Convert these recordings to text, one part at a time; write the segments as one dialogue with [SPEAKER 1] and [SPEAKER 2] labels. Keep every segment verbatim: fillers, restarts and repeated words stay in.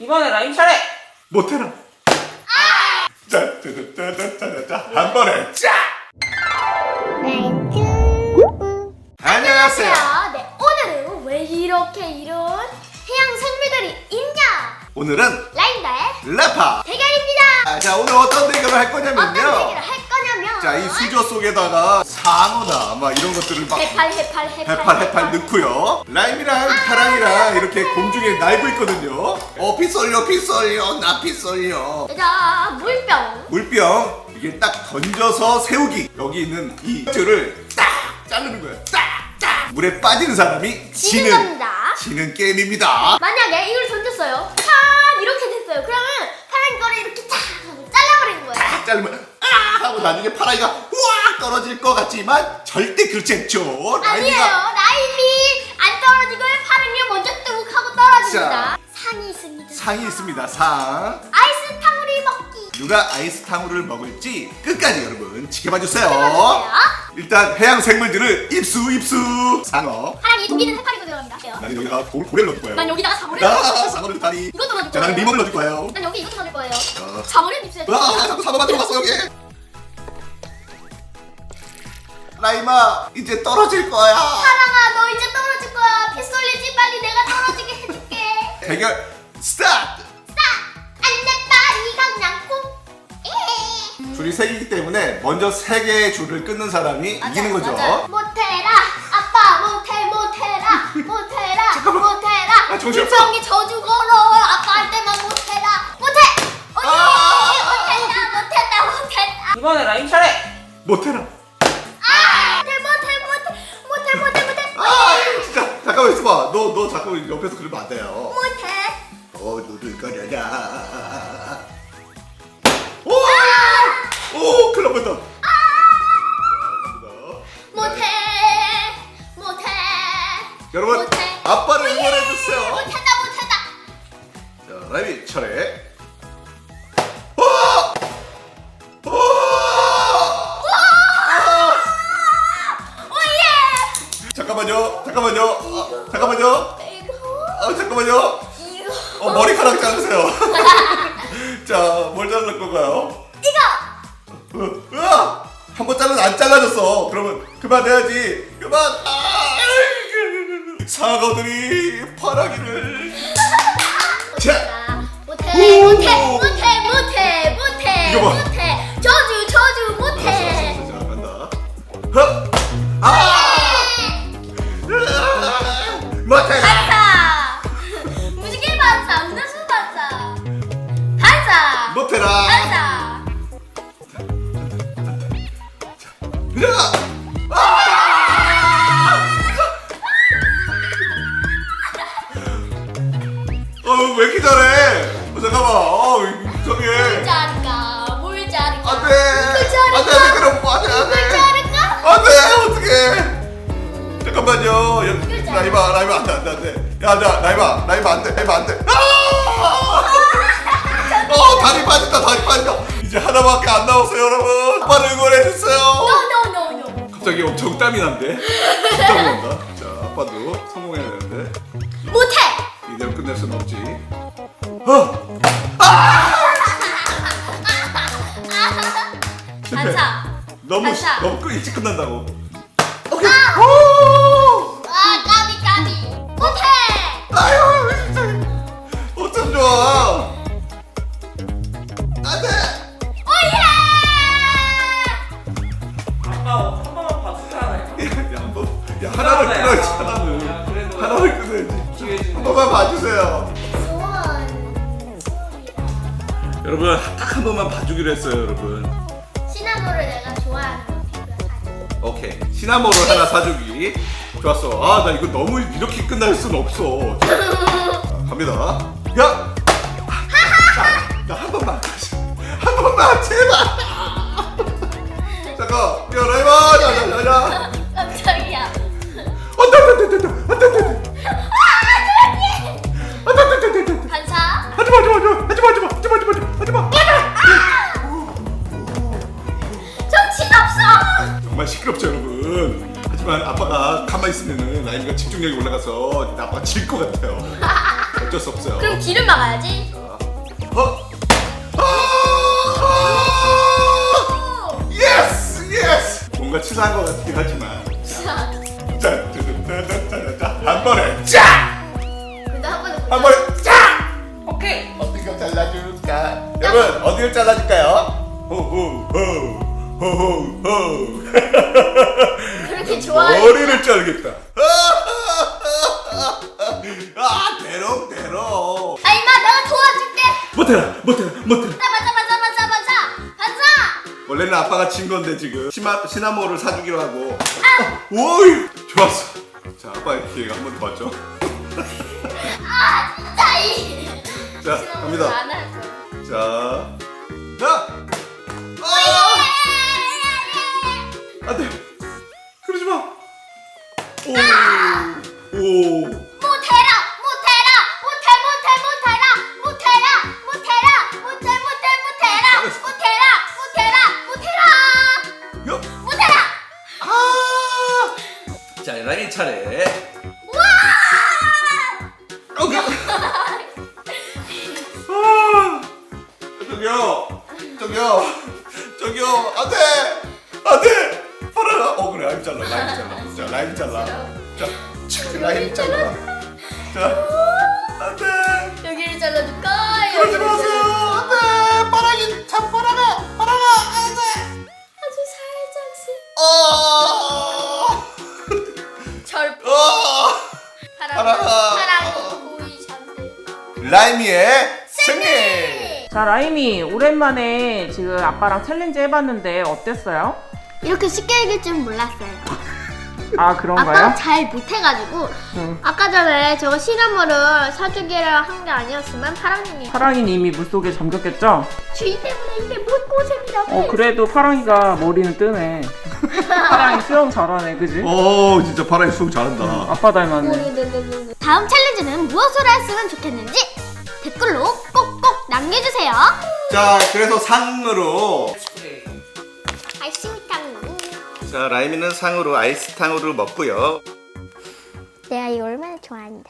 [SPEAKER 1] 이번에 라임 차례!
[SPEAKER 2] 못해라. 아! 짜짜짜짜짜짜 한 번에 짜! 안녕하세요.
[SPEAKER 3] 네, 오늘은 왜 이렇게 이런 해양 생물들이 있냐?
[SPEAKER 2] 오늘은
[SPEAKER 3] 라임다의
[SPEAKER 2] 래파.
[SPEAKER 3] 대결입니다.
[SPEAKER 2] 아, 자, 오늘 어떤 대결을 할
[SPEAKER 3] 어떤
[SPEAKER 2] 거냐면요.
[SPEAKER 3] 대결을 할 거냐면
[SPEAKER 2] 자, 이 수저 속에다가 상어나 막 이런 것들을 막
[SPEAKER 3] 해팔 해팔 해팔
[SPEAKER 2] 해팔 해팔 넣고요. 라임이랑 파랑이랑 이렇게 공중에 날고 있거든요. 어, 피 쏠려, 피 쏠려, 나 피 쏠려.
[SPEAKER 3] 자, 물병.
[SPEAKER 2] 물병 이게 딱 던져서 세우기. 여기 있는 이 줄을 딱 자르는 거예요. 딱, 딱. 물에 빠지는 사람이
[SPEAKER 3] 지는
[SPEAKER 2] 지는
[SPEAKER 3] 겁니다.
[SPEAKER 2] 지는 게임입니다.
[SPEAKER 3] 만약에 이걸 던졌어요. 짠! 이렇게 됐어요. 그러면 파란 거를 이렇게 탁 하고 잘라버리는 거예요.
[SPEAKER 2] 딱 자르면 아 하고 나중에 파랑이가 우와 떨어질 것 같지만 절대 그렇지 않죠.
[SPEAKER 3] 아니에요.
[SPEAKER 2] 라임이가
[SPEAKER 3] 라임이 안 떨어지고 파란이 먼저 뚝 하고 떨어집니다.
[SPEAKER 2] 자.
[SPEAKER 3] 상이 있습니다.
[SPEAKER 2] 상이 있습니다. 상.
[SPEAKER 3] 아이스 탕후루 먹기.
[SPEAKER 2] 누가 아이스 탕후루를 먹을지 끝까지 여러분 지켜봐 주세요.
[SPEAKER 3] 지켜봐주세요.
[SPEAKER 2] 일단 해양 생물들을 입수 입수. 상어.
[SPEAKER 3] 파란이 독이는 해파리고 들어갑니다.
[SPEAKER 2] 나는 여기다가 고, 고래를 넣을 거예요.
[SPEAKER 3] 난 여기다가 사물을
[SPEAKER 2] 아,
[SPEAKER 3] 넣을 거예요.
[SPEAKER 2] 상어를 다리.
[SPEAKER 3] 이것도 넣을
[SPEAKER 2] 자, 나는
[SPEAKER 3] 거예요.
[SPEAKER 2] 리본을 넣을 거예요.
[SPEAKER 3] 난 여기 이것도 넣을 거예요.
[SPEAKER 2] 어.
[SPEAKER 3] 사물을 입술에
[SPEAKER 2] 아, 자꾸 상어만 들어갔어 여기. 라임아, 이제 떨어질 거야.
[SPEAKER 3] 파랑아, 너 이제 떨어질 거야. 피 쏠리지 빨리 내가 떨어지게 해줄게.
[SPEAKER 2] 대결 스타트.
[SPEAKER 3] 안돼 파리가 냥콩.
[SPEAKER 2] 줄이 세 개이기 때문에 먼저 세 개의 줄을 끊는 사람이 이기는 거죠.
[SPEAKER 3] 못해라 아빠 못해 못해라 못해라
[SPEAKER 2] 잠깐만.
[SPEAKER 3] 못해라.
[SPEAKER 2] 아, 정신없어.
[SPEAKER 3] 불평이 저주 걸어 아빠한테만 못해라 못해. 언니
[SPEAKER 2] 아.
[SPEAKER 3] 못했다 못했다 못했다.
[SPEAKER 1] 이번에 라임 차례!
[SPEAKER 2] 못해라.
[SPEAKER 3] 아 못해 못해 못해 못해 못해 못해
[SPEAKER 2] 아, 진짜 잠깐만 있어봐. 너 너 자꾸 옆에서 그러면 안 돼요.
[SPEAKER 3] 못해.
[SPEAKER 2] 어, 누들거려라. 오, 오, 큰일 날 뻔했다.
[SPEAKER 3] 못해 못해.
[SPEAKER 2] 여러분,
[SPEAKER 3] 못해.
[SPEAKER 2] 아빠를 응원해 주세요.
[SPEAKER 3] 못한다 못한다.
[SPEAKER 2] 자, 라임이 차례. 오! 오!
[SPEAKER 3] 오예.
[SPEAKER 2] 잠깐만요. 잠깐만요. 아, 잠깐만요.
[SPEAKER 3] 이거
[SPEAKER 2] 아, 잠깐만요.
[SPEAKER 3] 이거
[SPEAKER 2] 어, 머리카락 자르세요. 자, 뭘 자를 건가요?
[SPEAKER 3] 이거.
[SPEAKER 2] 으, 으아! 한번 잘라도 안 잘라졌어. 그러면 그만해야지. 그만. 아, 아이고. 사과들이 파랑이를. 자,
[SPEAKER 3] 못해
[SPEAKER 2] 오.
[SPEAKER 3] 못해 못해 못해 못해
[SPEAKER 2] 이거 봐.
[SPEAKER 3] 못해 저주 저주 못해.
[SPEAKER 2] 자, 간다. 헉! 아! 으아! 못해.
[SPEAKER 3] 반사 무지개 반사 무너수 반사 반사
[SPEAKER 2] 못해라.
[SPEAKER 3] 반사.
[SPEAKER 2] 으아! 아! 어, 왜 이렇게 잘해? 어, 잠깐만. 어, 이상해.
[SPEAKER 3] 자를까 뭘 자를까
[SPEAKER 2] 안 돼.
[SPEAKER 3] 이걸
[SPEAKER 2] 안 돼,
[SPEAKER 3] 자를까
[SPEAKER 2] 안 돼, 그럼 안 돼, 안
[SPEAKER 3] 이걸
[SPEAKER 2] 돼.
[SPEAKER 3] 자를까.
[SPEAKER 2] 안 돼, 어떡해. 잠깐만요. 야,
[SPEAKER 3] 이걸 자르-
[SPEAKER 2] 라이바, 라이바, 안 돼, 안 돼, 안 돼. 야, 나, 라이바, 라이바, 안 돼, 라이바, 안 돼. 아! 어, 다리 빠진다, 다리 빠진다. 이제 하나밖에 안 남았어요, 여러분. 아빠를 응원해주세요.
[SPEAKER 3] No no no no.
[SPEAKER 2] 갑자기 엄청 땀이 난대. 진짜 온다. 자, 아빠도 성공해야 되는데.
[SPEAKER 3] 못해.
[SPEAKER 2] 이대로 끝낼 수는 없지. 어! 아! 실패.
[SPEAKER 3] 반사.
[SPEAKER 2] 너무
[SPEAKER 3] 반사.
[SPEAKER 2] 너무 끝 일찍 끝난다고.
[SPEAKER 3] 아.
[SPEAKER 2] 오!
[SPEAKER 3] 아 까비 까비. 못해.
[SPEAKER 2] 아유 진짜 어쩜 좋아. 안돼.
[SPEAKER 3] 오예.
[SPEAKER 1] 아빠 한 번만 봐주잖아요.
[SPEAKER 2] 야, 뭐, 야 하나를
[SPEAKER 1] 그러네.
[SPEAKER 2] 끊어야지
[SPEAKER 1] 아,
[SPEAKER 2] 하나를.
[SPEAKER 1] 야, 그래도
[SPEAKER 2] 하나를 끊어야지.
[SPEAKER 1] 기회 주네.
[SPEAKER 2] 한 번만 봐주세요.
[SPEAKER 3] 소원.
[SPEAKER 2] 여러분 딱 한 번만 봐주기로 했어요, 여러분.
[SPEAKER 3] 시나모를 내가 좋아하는 거 사줘.
[SPEAKER 2] 오케이. 시나모를 하나 사주기. 좋았어. 아, 나 이거 너무 이렇게 끝날 순 없어. 자, 갑니다. 야! 나 한 번만. 한 번만, 제발! 잠깐. 야, 라이바! 야, 야, 야, 야.
[SPEAKER 3] 깜짝이야.
[SPEAKER 2] 안 돼, 안 돼, 안 돼, 안 돼, 안 돼, 안 돼. 안 돼, 안 돼, 안 돼, 안 돼.
[SPEAKER 3] 반사.
[SPEAKER 2] 하지 마, 하지 마, 하지 마, 하지 마, 하지 마, 하지 마, 하지 마, 하지 마.
[SPEAKER 3] 정신없어.
[SPEAKER 2] 정말 시끄럽죠, 여러분. 하지만 아빠가 가만히 있으면은 라임이가 집중력이 올라가서 아빠가 질 것 같아요. 어쩔 수 없어요.
[SPEAKER 3] 그럼 길을 막아야지.
[SPEAKER 2] 뭔가 치사한 것 같긴 하지만.
[SPEAKER 3] 자,
[SPEAKER 2] 자, 자, 자, 자, 자, 자, 한 번에 짜!
[SPEAKER 3] 근데 한 번에
[SPEAKER 2] 한 번에 짜!
[SPEAKER 1] 오케이.
[SPEAKER 2] 어디가 잘라줄까? 여러분 어디를 잘라줄까요? 호호호 호호호.
[SPEAKER 3] 그렇게 좋아해.
[SPEAKER 2] 머리를 자르겠다. 아 대롱 대롱.
[SPEAKER 3] 아 임마 내가 도와줄게.
[SPEAKER 2] 못해라 못해라 못해라.
[SPEAKER 3] 맞아 맞아 맞아 맞아 맞아 맞아.
[SPEAKER 2] 원래는 아빠가 친 건데 지금 시마, 시나모를 사주기로 하고. 아! 오이 좋았어. 자 아빠의 기회가 한 번 더 왔죠.
[SPEAKER 3] 아 진짜 이.
[SPEAKER 2] 자 갑니다.
[SPEAKER 3] 안할 거야.
[SPEAKER 2] 자, 자. 아! 안돼. 그러지 마. 오. 오.
[SPEAKER 3] 못해라 못해라 못해 못해 못해라 못해라 못해라 못해 못해 못해라 못해라 못해라 못해라
[SPEAKER 2] 야.
[SPEAKER 3] 못해라.
[SPEAKER 2] 아. 자, 라인 차례.
[SPEAKER 3] 와.
[SPEAKER 2] 오케이. 아. 저기요. 저기요. 저기요. 안 돼. 안 돼. 팔아라. 어, 그래. 라임 잘라. 라임 잘라. 자, 라임 잘라. 자, 칙, 라임 잘라. 자. 안 돼.
[SPEAKER 3] 여기를 잘라줄까?
[SPEAKER 2] 그러지
[SPEAKER 3] 여기를
[SPEAKER 2] 마세요.
[SPEAKER 3] 잘라-
[SPEAKER 2] 안 돼. 빠라기 참 빠라가. 빠라가. 안 돼.
[SPEAKER 3] 아주 살짝씩
[SPEAKER 2] 어.
[SPEAKER 3] 절
[SPEAKER 2] 어.
[SPEAKER 3] 사랑
[SPEAKER 2] 사랑.
[SPEAKER 3] 사랑이 보이 잠들.
[SPEAKER 2] 라임이의 승리.
[SPEAKER 1] 자, 라임이 오랜만에 지금 아빠랑 챌린지 해봤는데 어땠어요?
[SPEAKER 3] 이렇게 쉽게 이길 줄 몰랐어요.
[SPEAKER 1] 아,
[SPEAKER 3] 아빠가
[SPEAKER 1] 그런가요?
[SPEAKER 3] 잘 못해가지고
[SPEAKER 1] 응.
[SPEAKER 3] 아까 전에 저거 시나모를 사주기를 한 게 아니었으면 파랑님이
[SPEAKER 1] 파랑이는 이미 물속에 잠겼겠죠?
[SPEAKER 3] 주인 때문에 이게 못 고생이라고.
[SPEAKER 1] 어, 그래도 파랑이가 머리는 뜨네. 파랑이 수영 잘하네, 그지?
[SPEAKER 2] 오, 진짜 파랑이 수영 잘한다.
[SPEAKER 1] 아빠 닮았네.
[SPEAKER 3] 다음 챌린지는 무엇으로 했으면 좋겠는지 댓글로 꼭꼭 남겨주세요.
[SPEAKER 2] 자, 그래서 상으로.
[SPEAKER 3] 아이스미탕.
[SPEAKER 2] 자, 라임이는 상으로 아이스탕으로 먹고요.
[SPEAKER 3] 내가 이거 얼마나 좋아하는데.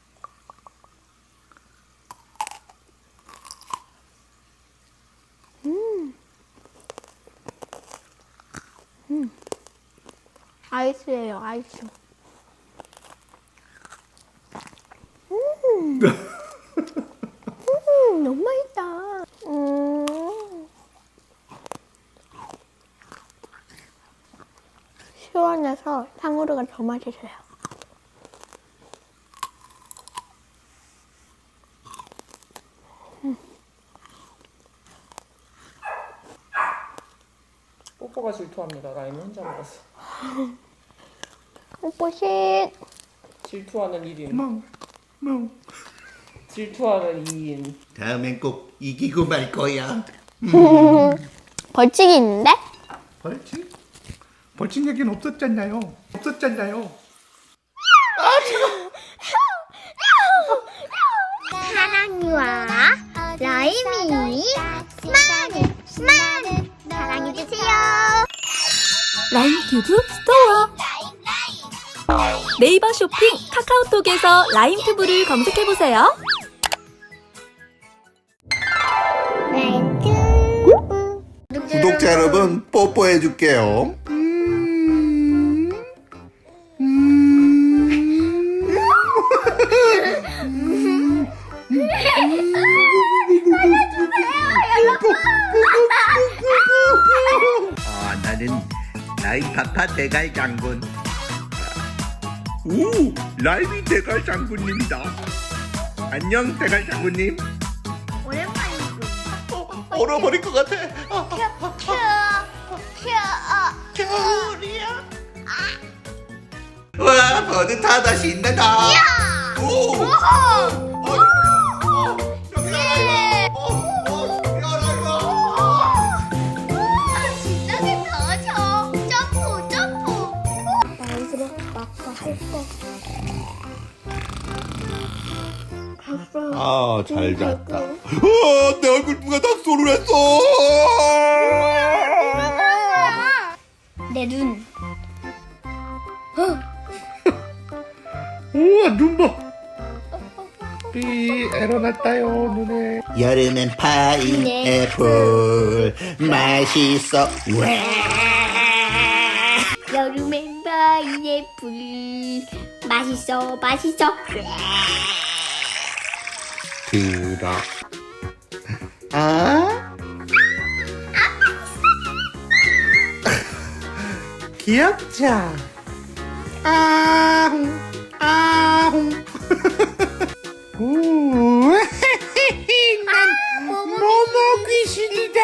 [SPEAKER 3] 음. 음. 아이스예요, 아이스. 음. 음, 너무 맛있다. 음. 시원해서 탕후루가 더 맛있어요.
[SPEAKER 1] 뽀뽀가 질투합니다. 라임이 혼자 먹었어.
[SPEAKER 3] 뽀뽀쉿.
[SPEAKER 1] 질투하는 일 인.
[SPEAKER 2] 멍, 멍.
[SPEAKER 1] 질투하는 이 인.
[SPEAKER 2] 다음엔 꼭 이기고 말 거야.
[SPEAKER 3] 벌칙이 있는데?
[SPEAKER 2] 벌칙? 벌칙 얘기는 없었잖아요. 없었잖아요.
[SPEAKER 3] 사랑이와 라임이 많이 많이 사랑해주세요.
[SPEAKER 4] 라임튜브 스토어 네이버 쇼핑 카카오톡에서 라임튜브를 검색해보세요.
[SPEAKER 3] 라임튜브
[SPEAKER 2] 구독자 여러분, 뽀뽀해 줄게요.
[SPEAKER 5] 아, 나는 라임 파파 대갈 장군. 오, 라임이 대갈 장군님이다. 안녕, 대갈 장군님.
[SPEAKER 3] 오랜만이고
[SPEAKER 2] 얼어버릴 것 같아. 아,
[SPEAKER 5] 겨울이야. 와, 버릇하다 신나다. 오,
[SPEAKER 3] 신나게 터져. 점프 점프. 나이스로 아빠 할거
[SPEAKER 5] 아, 잘 잤다. 어, 내 얼굴 누가 낙서를 했어.
[SPEAKER 3] 내 눈.
[SPEAKER 5] 우와, 눈 봐. 삐, 에러 났다요, 눈에. 여름엔 파인애플 맛있어. 와.
[SPEAKER 3] 파인애플 맛있어 맛있어.
[SPEAKER 5] 들어. 아? 귀엽죠? 아웅 아웅. 우, 난 모모 귀신이다.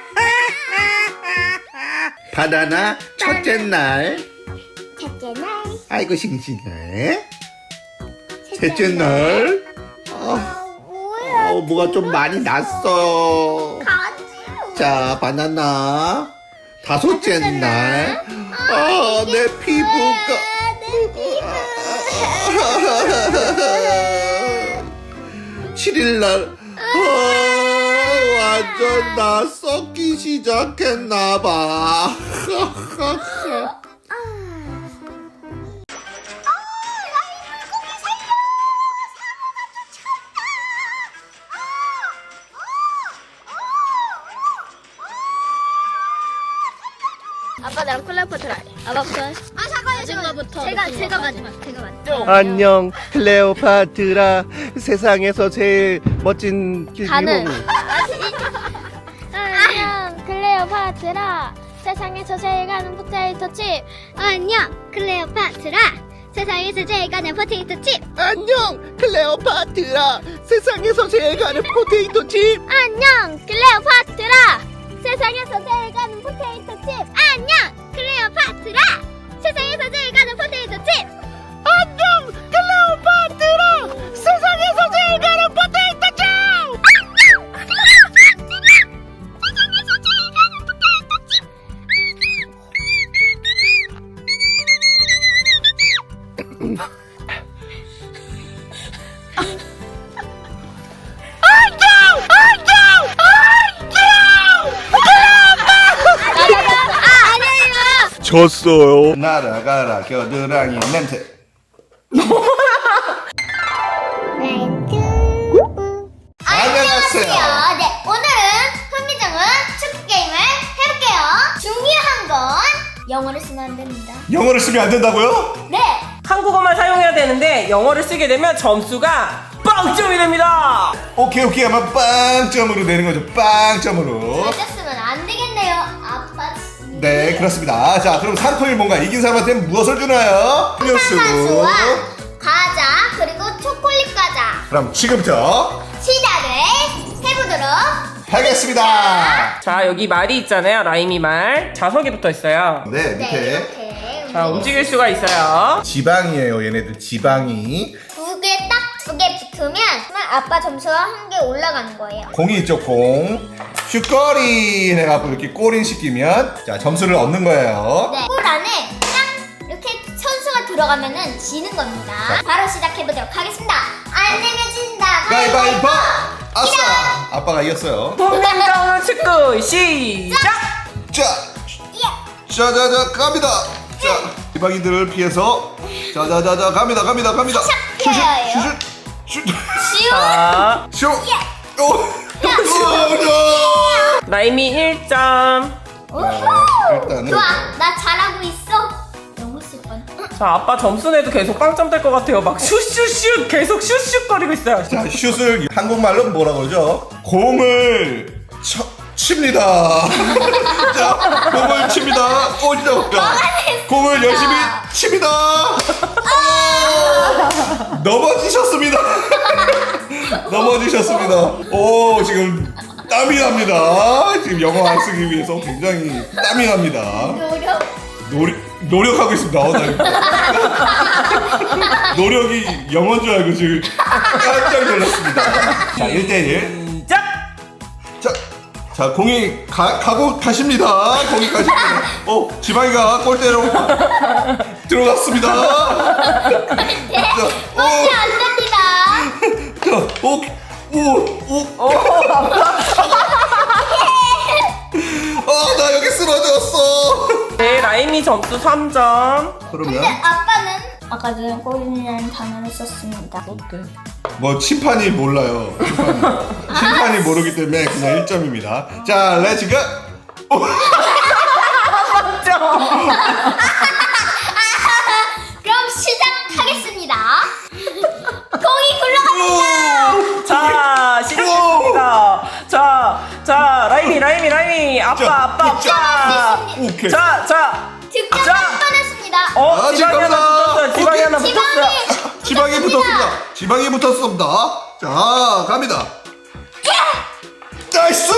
[SPEAKER 5] 바나나 첫째 날.
[SPEAKER 3] 첫째 날.
[SPEAKER 5] 아이고 싱싱해. 셋째 날. 어,
[SPEAKER 3] 뭐야?
[SPEAKER 5] 어, 뭐가 좀 많이 났어요.
[SPEAKER 3] 가지요.
[SPEAKER 5] 자, 바나나. 다섯째 날. 아, 내 피부가.
[SPEAKER 3] 내 피부.
[SPEAKER 5] 칠일 날. 아, 완전 나 썩기 시작했나봐.
[SPEAKER 3] 아빠 나랑 콜라포트 할래. 아빠부터. 아 잠깐만요. 마지막부터. 제가 제가 마지막. 제가 마지막.
[SPEAKER 5] 안녕, 클레오파트라. 세상에서 제일 멋진
[SPEAKER 3] 가는.
[SPEAKER 5] 유혹.
[SPEAKER 3] 안녕 클레오파트라. 세상에서 제일 가는 포테이토 칩. 안녕 클레오파트라. 세상에서 제일 가는 포테이토 칩.
[SPEAKER 5] 안녕, 클레오파트라. 세상에서 제일 가는 포테이토 칩.
[SPEAKER 3] 안녕 클레오파트라. 세상에서 제일 가는 포테이토 칩. 안녕 클레오파트라. 세상에서 제일 가는 포테이토 칩.
[SPEAKER 5] 안녕, 클레오파트라. 세상에서 제일 가는 포테이토 칩.
[SPEAKER 3] 안녕 클레오파트라. 세상에서 제일 가는 포테이토 칩.
[SPEAKER 5] 졌어요. 날아가라 겨드랑이 멘트. 안녕하세요.
[SPEAKER 3] 네, 오늘은 흥미정은 축구 게임을 해볼게요. 중요한 건 영어를 쓰면 안 됩니다.
[SPEAKER 2] 영어를 쓰면 안 된다고요?
[SPEAKER 3] 네,
[SPEAKER 1] 한국어만 사용해야 되는데 영어를 쓰게 되면 점수가 빵점이 됩니다.
[SPEAKER 2] 오케이 오케이 아마 빵점으로 내는 거죠. 빵점으로.
[SPEAKER 3] 절대 쓰면 안 되겠네요. 아빠.
[SPEAKER 2] 네 그렇습니다. 자 그럼 상품이 뭔가 이긴 사람한테 무엇을 주나요? 음료수.
[SPEAKER 3] 탄산수와 과자 그리고 초콜릿 과자
[SPEAKER 2] 그럼 지금부터
[SPEAKER 3] 시작을 해보도록
[SPEAKER 2] 하겠습니다.
[SPEAKER 1] 자, 여기 말이 있잖아요. 라임이 말. 자석이 붙어 있어요.
[SPEAKER 2] 네
[SPEAKER 3] 네
[SPEAKER 2] 밑에
[SPEAKER 3] 이렇게
[SPEAKER 1] 자, 움직일 수가 있어요.
[SPEAKER 2] 지방이에요. 얘네들 지방이.
[SPEAKER 3] 두 개 딱 두 개 붙으면 아빠 점수가 한 개 올라가는 거예요.
[SPEAKER 2] 공이 있죠 공. 슛거리 해갖고 이렇게 골인 시키면 자 점수를 얻는 거예요.
[SPEAKER 3] 네, 골 안에 딱 이렇게 선수가 들어가면은 지는 겁니다. 바로 시작해보도록 하겠습니다. 안 내면 진다.
[SPEAKER 2] 가위바위보. 아싸. 아빠가 이겼어요.
[SPEAKER 1] 흥미정은 축구 시작.
[SPEAKER 2] 자, 자자자 갑니다. 자, 지방인들을 피해서 자자자자 갑니다 갑니다 갑니다. 슛슛 슛슛 슛.
[SPEAKER 3] 쉬운.
[SPEAKER 1] 자,
[SPEAKER 2] 슛. 오. 오.
[SPEAKER 1] 라임이 일 점.
[SPEAKER 3] 우후.
[SPEAKER 2] 일단은
[SPEAKER 3] 좋아, 나 잘하고 있어. 영어 쓸 뻔.
[SPEAKER 1] 자, 아빠 점수 내도 계속 빵점 될 것 같아요. 막 슛슛슛 계속 슛슛거리고 있어요.
[SPEAKER 2] 자 슛을 한국말로 뭐라 그러죠? 공을 쳐, 칩니다. 자 공을 칩니다. 오죠. 공을 열심히 칩니다. 아! 넘어지셨습니다. 넘어지셨습니다. 오 지금 땀이 납니다. 지금 영어 안 쓰기 위해서 굉장히 땀이 납니다.
[SPEAKER 3] 노력.
[SPEAKER 2] 노력 노력하고 있습니다. 어, 나 노력이 영어인 줄 알고 지금 깜짝 놀랐습니다. 자, 일 대 일.
[SPEAKER 1] 시작.
[SPEAKER 2] 자, 자 공이 가, 가고 가십니다. 공이 가십니다. 어, 지방이가 골대로 들어갔습니다. 자, 오,
[SPEAKER 3] 안돼 안 됩니다.
[SPEAKER 2] 자, 오, 오, 오. 아, 나 여기 쓰러졌어.
[SPEAKER 1] 네, 라임이 점수 삼 점.
[SPEAKER 2] 그러면
[SPEAKER 3] 아빠는 아까 전에 골이라는 단어를 썼습니다.
[SPEAKER 1] 어때?
[SPEAKER 2] 뭐 심판이 몰라요. 심판이, 심판이 모르기 때문에 그냥 일 점입니다. 자, 렛츠 고. 오.
[SPEAKER 1] 삼 점. 라임이 라임이 라임이 아빠
[SPEAKER 2] 자,
[SPEAKER 1] 아빠
[SPEAKER 2] 자,
[SPEAKER 1] 아빠.
[SPEAKER 2] 오케이.
[SPEAKER 1] 자 자.
[SPEAKER 3] 득점
[SPEAKER 1] 자.
[SPEAKER 3] 한 번 했습니다.
[SPEAKER 1] 어
[SPEAKER 2] 아,
[SPEAKER 1] 지방이 하나
[SPEAKER 2] 지금입니다.
[SPEAKER 1] 붙었어요. 지방이
[SPEAKER 2] 오케이.
[SPEAKER 1] 하나 붙었어요.
[SPEAKER 2] 지방이 붙었습니다. 지방이 붙었습니다. 자, 갑니다. 나이스!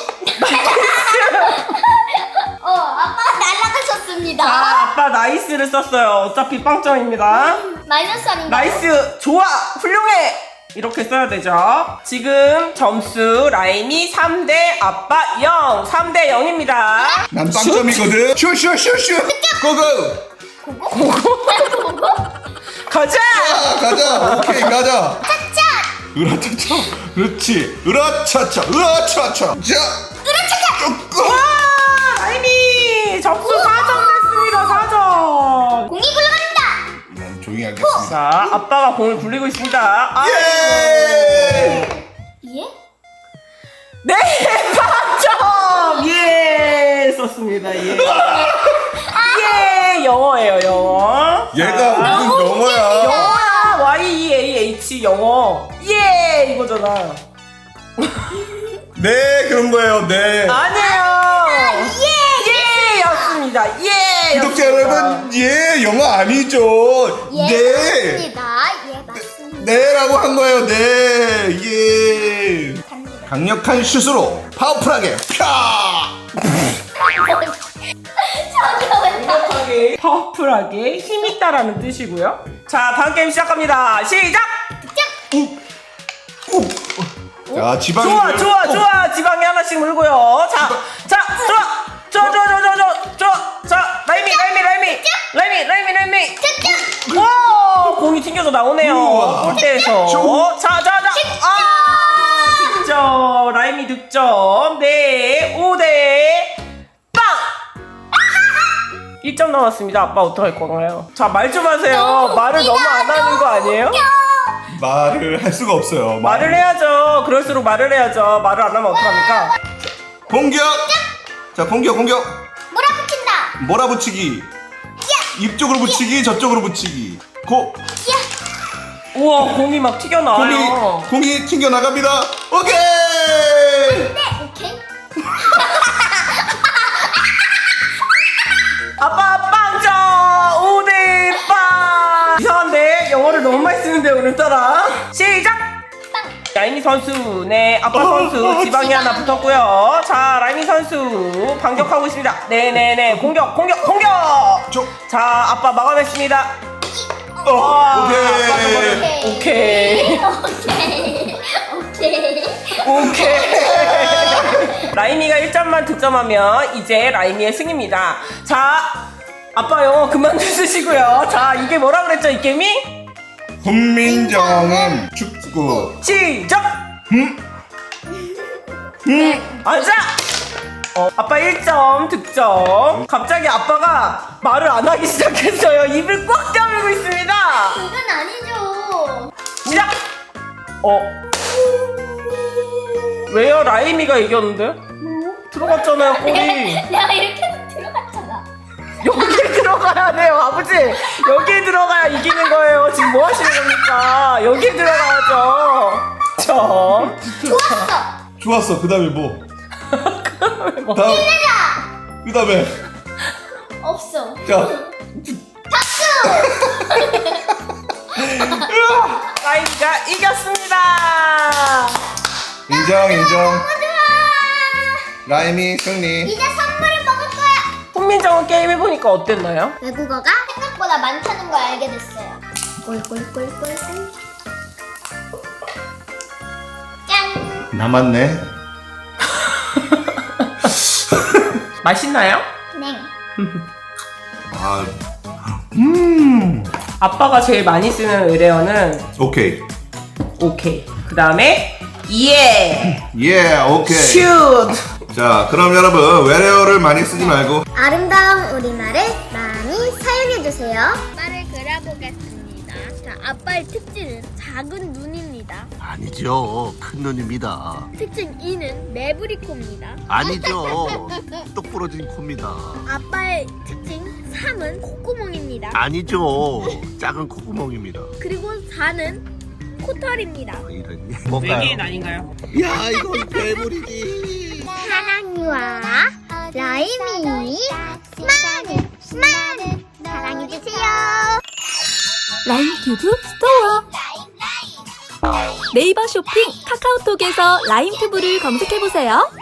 [SPEAKER 3] 어, 아빠가 날아가셨습니다.
[SPEAKER 1] 아 아빠 나이스를 썼어요. 어차피 빵점입니다.
[SPEAKER 3] 마이너스 아닌가?
[SPEAKER 1] 나이스 좋아 훌륭해 이렇게 써야 되죠. 지금 점수 라임이 삼 대 아빠 영 삼 대 영입니다.
[SPEAKER 2] 난 빵점이거든. 슈슈슈슈. 고고.
[SPEAKER 3] 고고?
[SPEAKER 1] 가자.
[SPEAKER 2] 아, 가자. 오케이, 가자.
[SPEAKER 3] 짜짜!
[SPEAKER 2] 으라차차. 그렇지. 으라차차. 으라차차. 자. 으라차차.
[SPEAKER 1] 와 라임이 점수 사 점 됐습니다. 사 점.
[SPEAKER 3] 공이 굴러갑니다.
[SPEAKER 2] 난 조용히 하겠습니다.
[SPEAKER 1] 자 아빠가 공을 굴리고 있습니다. 아,
[SPEAKER 2] 예!
[SPEAKER 3] 예?
[SPEAKER 1] 네 빵점 예 썼습니다. 예. 예 영어예요 영어.
[SPEAKER 2] 얘가
[SPEAKER 1] 자,
[SPEAKER 2] 무슨 영어야?
[SPEAKER 1] 영어야 Y E A H 영어 예 이거잖아.
[SPEAKER 2] 네, 그런 거예요. 네.
[SPEAKER 1] 아니에요. 예 였습니다. 예
[SPEAKER 2] 구독자
[SPEAKER 1] 였습니다.
[SPEAKER 2] 여러분, 예, 영어 아니죠?
[SPEAKER 3] 예,
[SPEAKER 2] 네.
[SPEAKER 3] 맞습니다. 예, 맞습니다.
[SPEAKER 2] 네라고 한 거예요. 네. 예.
[SPEAKER 3] 갑니다.
[SPEAKER 2] 강력한 슛으로 파워풀하게 펴.
[SPEAKER 3] 저기요, 왜
[SPEAKER 1] 강력하게 파워풀하게 힘있다라는 뜻이고요. 자 다음 게임 시작합니다. 시작.
[SPEAKER 2] 자, 지방이
[SPEAKER 1] 좋아 좋아 좋아 지방이 하나씩 물고요. 자자 좋아 좋아 좋아 좋아 좋아 좋아 자 라임이 라임이 라임이 라임이 라임이 라임이 와 공이 튕겨서 나오네요.
[SPEAKER 2] 우와.
[SPEAKER 1] 골대에서 자자자 아 득점 라임이 득점 네 오 대 빵 일 점 남았습니다. 아빠 어떡할 건가요? 자 말 좀 하세요. 말을 너무 안 하는 거 아니에요?
[SPEAKER 2] 말을 할 수가 없어요.
[SPEAKER 1] 말을 해야죠. 그럴수록 말을 해야죠. 말을 안 하면 어떡합니까?
[SPEAKER 2] 공격. 자, 공격, 공격.
[SPEAKER 3] 몰아붙인다.
[SPEAKER 2] 몰아붙이기. 이쪽으로 붙이기, 저쪽으로 붙이기. 고.
[SPEAKER 1] 우와 공이 막
[SPEAKER 2] 공이
[SPEAKER 1] 튀겨나와요.
[SPEAKER 2] 공이 튕겨 나갑니다. 오케이.
[SPEAKER 3] 네, 오케이.
[SPEAKER 1] 아빠 빵점 오 대 빵. 이상한데 영어를 너무 많이 쓰는데 오늘따라. 시작. 라임이 선수 네 아빠 선수 지방이 하나 붙었고요. 자 라임이 선수 반격하고 있습니다. 네네네 공격 공격 공격.
[SPEAKER 2] 저.
[SPEAKER 1] 자 아빠 막아냈습니다.
[SPEAKER 2] 어,
[SPEAKER 1] 와,
[SPEAKER 2] 오케이.
[SPEAKER 1] 아빠도 오케이.
[SPEAKER 3] 오케이. 오케이.
[SPEAKER 1] 오케이. 라임이가 일 점만 득점하면 이제 라임이의 승입니다. 자, 아빠 영어 그만 좀 쓰시고요. 자, 이게 뭐라 그랬죠, 이 게임이?
[SPEAKER 2] 훈민정음 축구.
[SPEAKER 1] 시작!
[SPEAKER 2] 음.
[SPEAKER 1] 음. 앉아! 어, 아빠 일 점 득점. 갑자기 아빠가 말을 안 하기 시작했어요. 입을 꽉 다물고 있습니다.
[SPEAKER 3] 그건 아니죠.
[SPEAKER 1] 시작! 어. 왜요? 라임이가 이겼는데? 들어갔잖아요, 골이.
[SPEAKER 3] 내가 이렇게 해서 들어갔잖아.
[SPEAKER 1] 여기 들어가야 돼요, 아버지. 여기 들어가야 이기는 거예요. 지금 뭐 하시는 겁니까? 여기 들어가야죠. 점.
[SPEAKER 3] 좋았어.
[SPEAKER 2] 좋았어. 그다음에 뭐?
[SPEAKER 1] 뭐.
[SPEAKER 2] 다음. 그다음에
[SPEAKER 3] 없어.
[SPEAKER 2] 자.
[SPEAKER 1] 라임이가 이겼습니다.
[SPEAKER 2] 인정, 인정. 라임이 승리.
[SPEAKER 3] 이제 선물을 먹을 거야.
[SPEAKER 1] 훈민정음 게임 해보니까 어땠나요?
[SPEAKER 3] 외국어가 생각보다 많다는 걸 알게 됐어요. 꿀꿀꿀꿀꿀. 짠.
[SPEAKER 2] 남았네.
[SPEAKER 1] 맛있나요?
[SPEAKER 3] 네.
[SPEAKER 2] 아. 음.
[SPEAKER 1] 아빠가 제일 많이 쓰는 의뢰어는
[SPEAKER 2] 오케이.
[SPEAKER 1] 오케이. 그 다음에 예,
[SPEAKER 2] 예, 오케이.
[SPEAKER 1] 슛.
[SPEAKER 2] 자, 그럼 여러분 외래어를 많이 쓰지 말고
[SPEAKER 3] 아름다운 우리말을 많이 사용해주세요. 아빠를 그려보겠습니다. 자, 아빠의 특징은 작은 눈입니다.
[SPEAKER 6] 아니죠. 큰 눈입니다.
[SPEAKER 3] 특징 이는 매부리 코입니다.
[SPEAKER 6] 아니죠. 똑 부러진 코입니다.
[SPEAKER 3] 아빠의 특징 삼은 콧구멍입니다.
[SPEAKER 6] 아니죠. 작은 콧구멍입니다.
[SPEAKER 3] 그리고 사는 코털입니다.
[SPEAKER 6] 이런 뭔가요?
[SPEAKER 1] 외계인 아닌가요?
[SPEAKER 6] 야, 이건 괴물이지.
[SPEAKER 3] 하나 지방이와 라임이 많은 많은 사랑해주세요.
[SPEAKER 4] 라임튜브 스토어. 네이버 쇼핑 카카오톡에서 라임튜브를 검색해보세요.